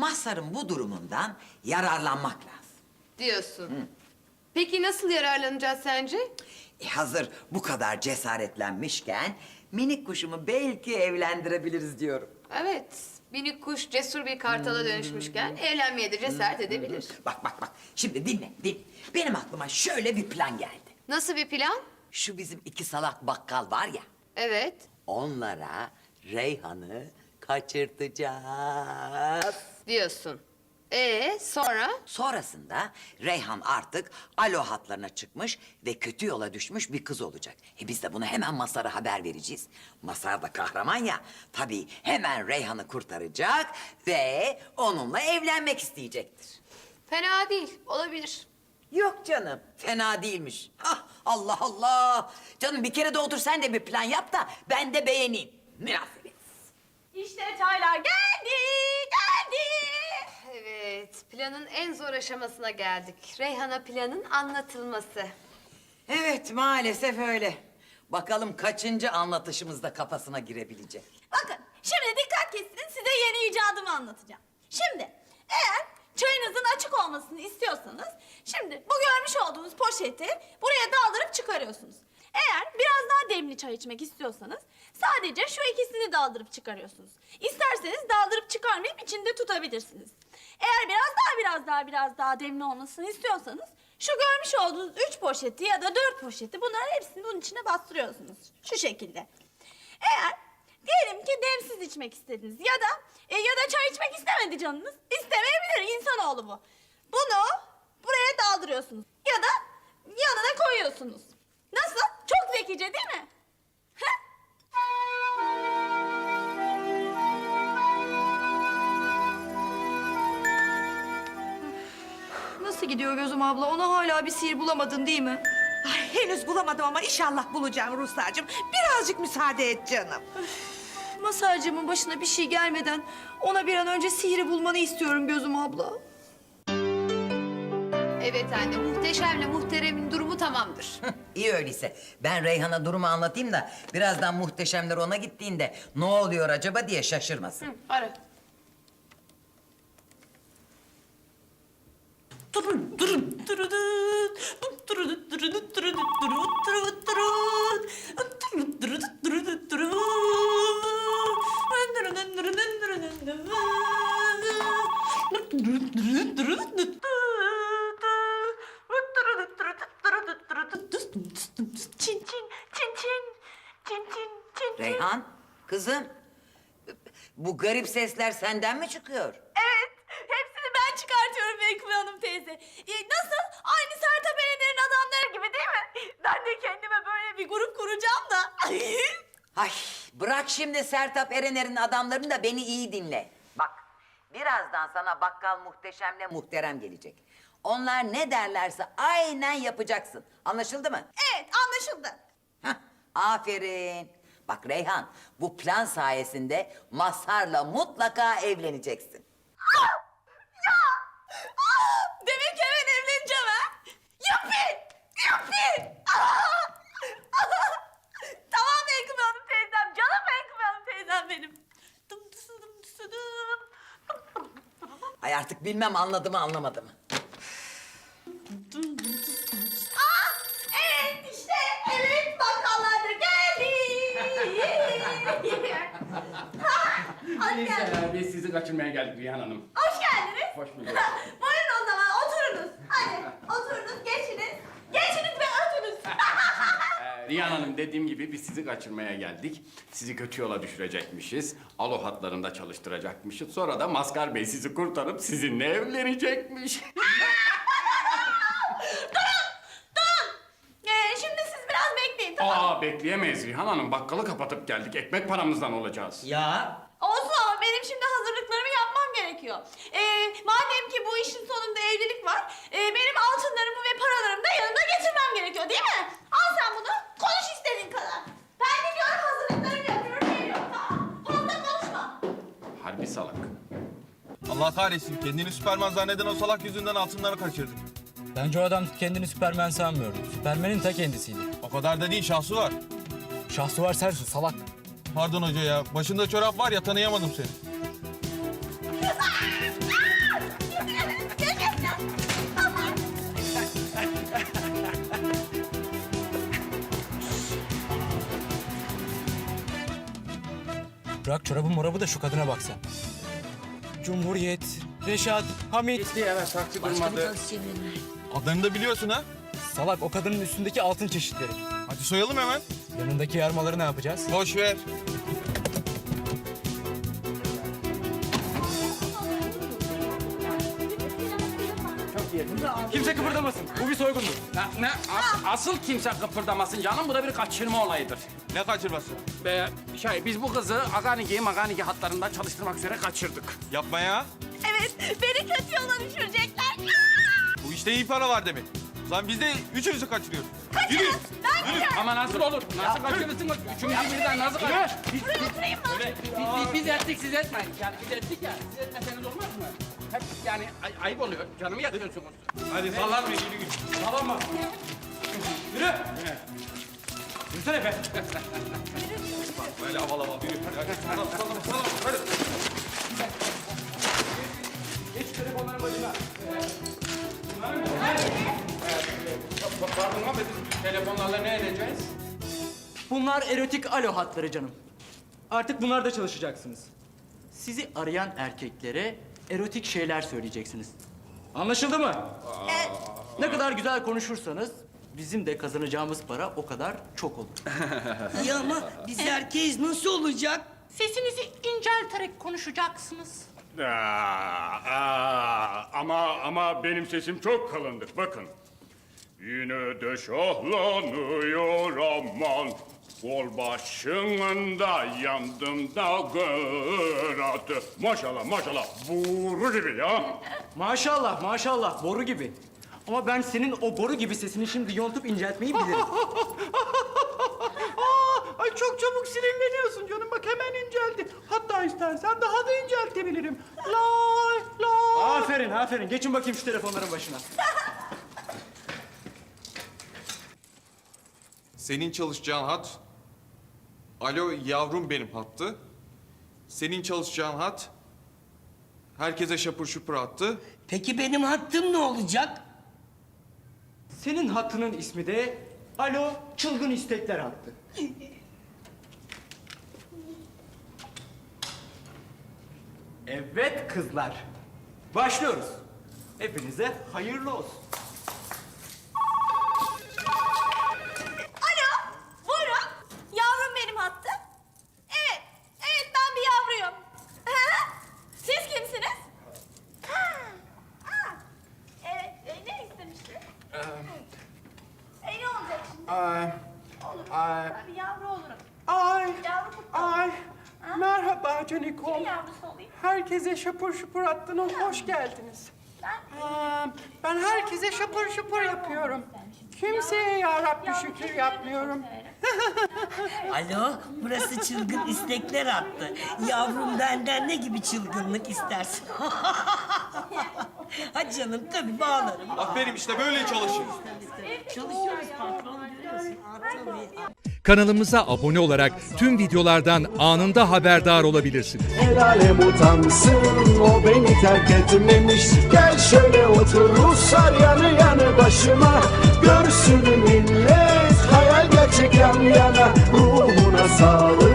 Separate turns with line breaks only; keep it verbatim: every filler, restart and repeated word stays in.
Mazhar'ın bu durumundan yararlanmak lazım.
Diyorsun. Peki nasıl yararlanacağız sence?
E hazır bu kadar cesaretlenmişken minik kuşumu belki evlendirebiliriz diyorum.
Evet. Minik kuş cesur bir kartala dönüşmüşken evlenmeye de cesaret edebilir.
Bak bak bak şimdi dinle dinle. Benim aklıma şöyle bir plan geldi.
Nasıl bir plan?
Şu bizim iki salak bakkal var ya.
Evet.
Onlara Reyhan'ı kaçırtacağız.
Diyorsun. Ee sonra?
Sonrasında Reyhan artık alo hatlarına çıkmış ve kötü yola düşmüş bir kız olacak. E biz de bunu hemen Mazhar'a haber vereceğiz. Mazhar da kahraman ya. Tabii hemen Reyhan'ı kurtaracak ve onunla evlenmek isteyecektir.
Fena değil. Olabilir.
Yok canım, fena değilmiş. Ah, Allah Allah! Canım bir kere de otur sen de bir plan yap da ben de beğeneyim. Münasebet.
İşte çaylar geldi, geldi.
Evet. Planın en zor aşamasına geldik. Reyhan'a planın anlatılması.
Evet, maalesef öyle. Bakalım kaçıncı anlatışımızda kafasına girebilecek.
Bakın, şimdi dikkat kesin, size yeni icadımı anlatacağım. Şimdi, eğer çayınızın açık olmasını istiyorsanız, şimdi bu görmüş olduğunuz poşeti buraya daldırıp çıkarıyorsunuz. Eğer biraz daha demli çay içmek istiyorsanız, sadece şu ikisini daldırıp çıkarıyorsunuz. İsterseniz daldırıp çıkarmayıp içinde tutabilirsiniz. Eğer biraz daha biraz daha biraz daha demli olmasını istiyorsanız, şu görmüş olduğunuz üç poşeti ya da dört poşeti bunların hepsini bunun içine bastırıyorsunuz. Şu şekilde. Eğer diyelim ki demsiz içmek istediniz ya da e, ya da çay içmek istemedi canınız. İstemeyebilir, insanoğlu bu. Bunu buraya daldırıyorsunuz ya da yanına koyuyorsunuz. Nasıl? Çok zekice değil mi? Heh?
Nasıl gidiyor Gözüm abla? Ona hala bir sihir bulamadın değil mi?
Ay, henüz bulamadım ama inşallah bulacağım Ruhsar'cığım. Birazcık müsaade et canım.
Masarcığımın başına bir şey gelmeden ona bir an önce sihri bulmanı istiyorum Gözüm abla.
Evet anne. Muhteşemle muhteremin durumu tamamdır.
İyi öyleyse. Ben Reyhan'a durumu anlatayım da birazdan muhteşemler ona gittiğinde ne oluyor acaba diye şaşırmasın.
Ara.
Durun, durun, durun, durun, durun, durun, durun, durun, durun, durun, durun, durun, durun. Çin çin, çin çin, çin çin, çin çin.
Reyhan, kızım. Bu garip sesler senden mi çıkıyor?
Evet, hepsini ben çıkartıyorum Menkıbe Hanım teyze. Ee, nasıl? Aynı Sertab Erener'in adamları gibi değil mi? Ben de kendime böyle bir grup kuracağım da.
Ay bırak şimdi Sertab Erener'in adamlarını da beni iyi dinle. Bak birazdan sana bakkal muhteşemle muhterem gelecek. Onlar ne derlerse aynen yapacaksın. Anlaşıldı mı?
Evet, anlaşıldı.
Hah, aferin. Bak Reyhan bu plan sayesinde Mazhar'la mutlaka evleneceksin.
Demek ki hemen evleneceğim ha? Yuppi! Yuppi! Aa! Tamam Menkıbe Hanım teyzem, canım Menkıbe Hanım teyzem benim. Dım dısı dım dısı dım.
Ay artık bilmem anladı mı anlamadı mı?
Aa, evet işte, evet bakkallar da geldi. Ha, hoş geldiniz.
Neyse, biz sizi kaçırmaya geldik Rihan Hanım.
Hoş geldiniz.
Hoş bulduk.
Buyurun o zaman oturunuz. Hadi oturunuz, geçiniz. Geçiniz ve ötünüz.
Ee, Rihan Hanım dediğim gibi biz sizi kaçırmaya geldik. Sizi kötü yola düşürecekmişiz. Alo hatlarında çalıştıracakmışız. Sonra da Maskar Bey sizi kurtarıp sizinle evlenecekmiş.
Ee, şimdi siz biraz bekleyin, tamam mı?
Aa bekleyemeyiz Rihan Hanım. Bakkalı kapatıp geldik. Ekmek paramızdan olacağız.
Ya
Olsun ama benim şimdi hazırlıklarımı yapmam gerekiyor. Ee, madem ki bu işin sonunda evlilik var, e, benim altınlarımı ve paralarımı da yanımda getirmem gerekiyor değil mi? Al sen bunu, konuş istediğin kadar. Ben gidiyorum hazırlıklarımı yapıyorum, geliyorum tamam. Fazla konuşma.
Harbi salak.
Allah kahretsin. Kendini Süperman zanneden o salak yüzünden altınları kaçırdık.
Bence o adam kendini Süpermen sanmıyordu. Süpermen'in ta kendisiydi.
O kadar da değil, şahsı var.
Şahsı var sensin salak.
Pardon hoca ya. Başında çorap var ya, tanıyamadım seni.
Bırak çorabı morabı da şu kadına bak sen. Cumhuriyet, Reşat, Hamit.
Gitti evet taksi durmadı.
Adlarını da biliyorsun ha.
Salak o kadının üstündeki altın çeşitleri.
Hadi soyalım hemen.
Yanındaki yarmaları ne yapacağız?
Boş ver.
Kimse kıpırdamasın. Bu bir soygundur.
Ne, ne? As- asıl kimse kıpırdamasın canım. Bu da bir kaçırma olayıdır.
Ne kaçırması?
Be, şey, biz bu kızı Aganiki Maganiki hatlarında çalıştırmak üzere kaçırdık.
Yapma ya.
Evet, beni kötü yola düşürecekler.
Bu işte iyi para var demek. Lan biz de üçünüzü kaçırıyoruz. Yürü.
Ama nasıl olur? Nasıl kaçırırsın? Üçümüzü birden nasıl kaçırırsın? Biz,
Buraya oturayım mı?
Öyle, biz, biz, biz ettik, siz etmeyin. Yani biz ettik ya, siz etmeseniz olmaz mı? Hep yani ay- ayıp oluyor, canımı yakıyorsunuz.
Hadi sallanma yürü yürü.
Tamam mı? Yürü! Yürü. Yürüsene be!
Böyle havalı havalı yürü. Hadi, sallan, sallan, sallan, hadi.
Geç telefonların başına. Pardon ama biz telefonlarla ne edeceğiz?
Bunlar erotik alo hatları canım. Artık bunlarda çalışacaksınız. Sizi arayan erkeklere erotik şeyler söyleyeceksiniz. Anlaşıldı mı? Ne kadar güzel konuşursanız bizim de kazanacağımız para o kadar çok olur.
İyi ama biz erkeğiz nasıl olacak?
Sesinizi incelterek konuşacaksınız.
Aa, aa, ama ama benim sesim çok kalındır. Bakın. Yine de şahlanıyor aman. Kol başında yandım da gıratı. Maşallah maşallah boru gibi ya.
Maşallah maşallah boru gibi. Ama ben senin o boru gibi sesini şimdi yontup inceltmeyi bilirim.
Ay çok çabuk sinirleniyorsun canım. Bak hemen inceldi. Hatta istersen daha da inceltebilirim. Lay lay.
Aferin aferin. Geçin bakayım şu telefonların başına.
Senin çalışacağın hat. Alo yavrum benim hattı. Senin çalışacağın hat. Herkese şapur şupur attı.
Peki benim hattım ne olacak?
Senin hattının ismi de Alo Çılgın İstekler hattı. Evet kızlar. Başlıyoruz. Hepinize hayırlı olsun.
Alo, buyurun. Yavrum benim hattı. Evet, evet ben bir yavruyum. Hı? Siz kimsiniz? Ha, ha. Evet, e, ne istemiştiniz? E, ne olacak şimdi? Olur. Ben bir yavru olurum.
Ay
Yavru kutlu.
ay.
Ha?
Merhaba
Kimin
Canikom.
yavrusu olayım?
Herkese şapur şupur attın. Hoş geldiniz.
Ben
Aa, ben herkese şapur şupur yapıyorum. Kimseye ya Rabbi şükür yapmıyorum.
Alo, burası çılgın istekler attı. Yavrum benden ne gibi çılgınlık istersin? Hadi canım tabii bağlarım.
Aferin işte böyle çalışın.
Çalışıyoruz patron görüyorsun. Aa, tabii.
Kanalımıza abone olarak tüm videolardan anında haberdar olabilirsiniz.
El alem utansın o beni terk etmemiş. Gel şöyle otur Ruslar yanı yanı başıma. Görsün millet hayal gerçek yan yana. Ruhuna sağlık.